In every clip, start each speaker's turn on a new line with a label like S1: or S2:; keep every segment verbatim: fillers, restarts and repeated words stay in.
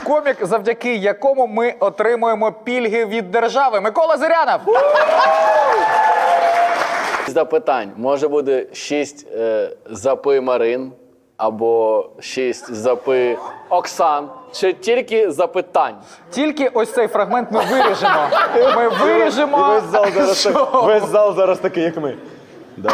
S1: комік, завдяки якому ми отримуємо пільги від держави. Микола Зирянов!
S2: Запитань. Може буде шість е, запи Марин, або шість запи Оксан, чи тільки запитань?
S1: Тільки ось цей фрагмент ми виріжемо. Ми виріжемо.
S3: І весь зал зараз,
S1: що?
S3: так, весь зал зараз такий, як ми. Да.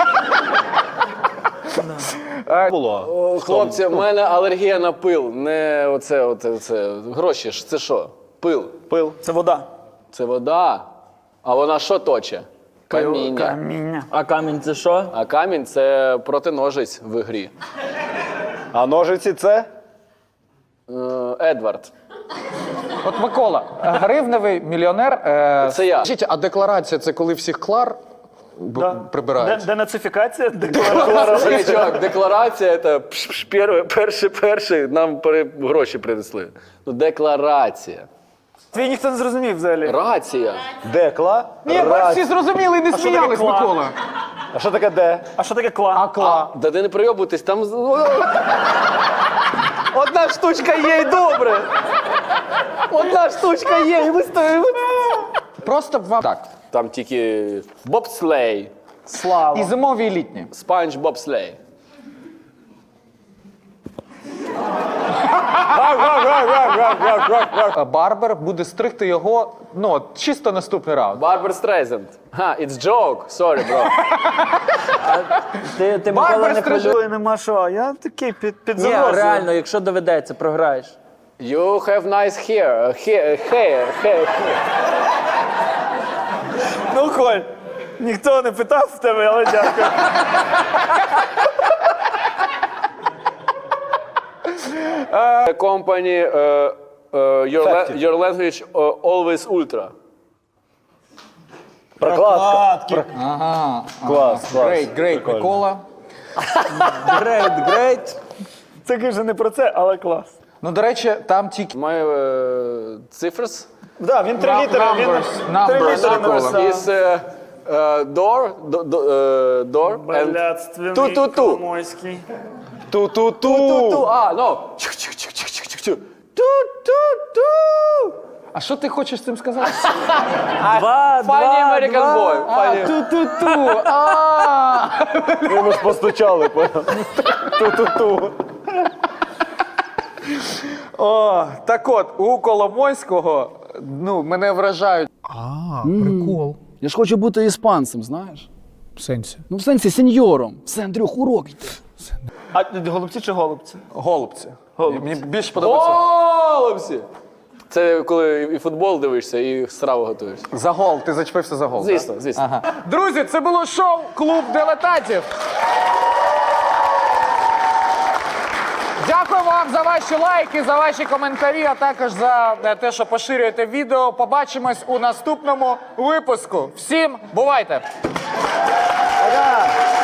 S3: Було.
S2: О, хлопці, в мене алергія на пил. Не оце, оце, оце. Гроші ж, це що? Пил.
S3: Пил.
S4: Це вода.
S2: Це вода. А вона що точе? Каміння.
S4: Каміння.
S5: А камінь це що?
S2: А камінь – це протиножець в грі.
S3: А ножиці це?
S2: Е, Едвард.
S1: От Микола, гривневий мільйонер. Е,
S2: Це я.
S1: Скажіть, а декларація – це коли всіх клар б-
S4: Да.
S1: прибирають?
S4: Де- Денацифікація, декларація.
S2: Ні, чувак, декларація – це пш-пш, перше, перше, перше, нам пере- гроші принесли. Ну, декларація.
S4: Твій ніхто не зрозумів взагалі.
S2: Рація.
S3: Декла.
S1: Ні, ми всі зрозуміли і не
S4: що таке
S1: сміялись,
S4: кла?
S1: Микола.
S3: А що таке де?
S4: А що таке кла?
S1: А кла?
S2: Да ти не прийобуйтесь, там... з- Одна штучка є і добре. Одна штучка є, і ви стоїмо.
S1: Просто вам так.
S2: Там тільки бобслей,
S4: Слава.
S1: І зимові, і літні.
S2: спанч бобслей.
S1: Е, Барбер буде стригти його, ну, от, чисто наступний раунд.
S2: Барбер Стрейзенд. Ха, it's joke. Sorry, bro.
S5: Ти, ти
S1: Барбар
S5: Микола, не
S1: скажи.
S5: хвилюй.
S4: Ой, нема що, а я такий під, під
S5: Ні,
S4: загрозою.
S5: реально, якщо доведеться, програєш.
S2: You have nice hair. Hair, hair, hair.
S4: Ну, Коль, ніхто не питав в тебе, але дякую.
S2: Company, uh, uh, your, la-
S3: Факті.
S2: your language uh, always ultra.
S3: Прокладка.
S1: Ага.
S3: Клас, клас.
S1: Грейт, грейт,
S3: Прикольно.
S1: Микола.
S5: Грейт, грейт.
S4: Це каже не про це, але клас.
S1: Ну, до речі, там тільки
S2: My uh, cifers.
S4: Да, він три
S1: Нам-
S4: літери, він
S1: numbers,
S4: три
S1: numbers.
S4: літери
S1: Numbers
S4: написав.
S2: Is uh, uh, door, do, do, uh, door, and
S4: Блядственний
S2: ту-ту-ту.
S4: Коломойський.
S3: Ту-ту-ту.
S2: Ту-ту, а, no. Чух-чух-чух-чух-чух-чух. Ту-ту-ту.
S1: А що ти хочеш цим сказати?
S5: Два,
S2: Funny
S5: два,
S2: American
S5: два.
S2: boy.
S1: А,
S2: Funny.
S1: ту-ту-ту. А.
S3: Ми ж постучали. понял? Ту-ту-ту.
S1: О, так от, у Коломойського, ну, мене вражають.
S6: А, прикол.
S2: Я ж хочу бути іспанцем, знаєш?
S6: В сенсі.
S2: Ну, в сенсі, сеньором. Все, Андрюх, урок йде.
S4: А голубці чи голубці?
S1: Голубці. Мені більше подобається.
S2: Голубці! Це коли і футбол дивишся, і страву готуєш.
S1: За гол, ти зачепився за гол.
S2: Звісно,
S1: так?
S2: звісно.
S1: Ага. Друзі, це було шоу «Клуб дилетантів». Дякую вам за ваші лайки, за ваші коментарі, а також за те, що поширюєте відео. Побачимось у наступному випуску. Всім бувайте!
S4: Пока!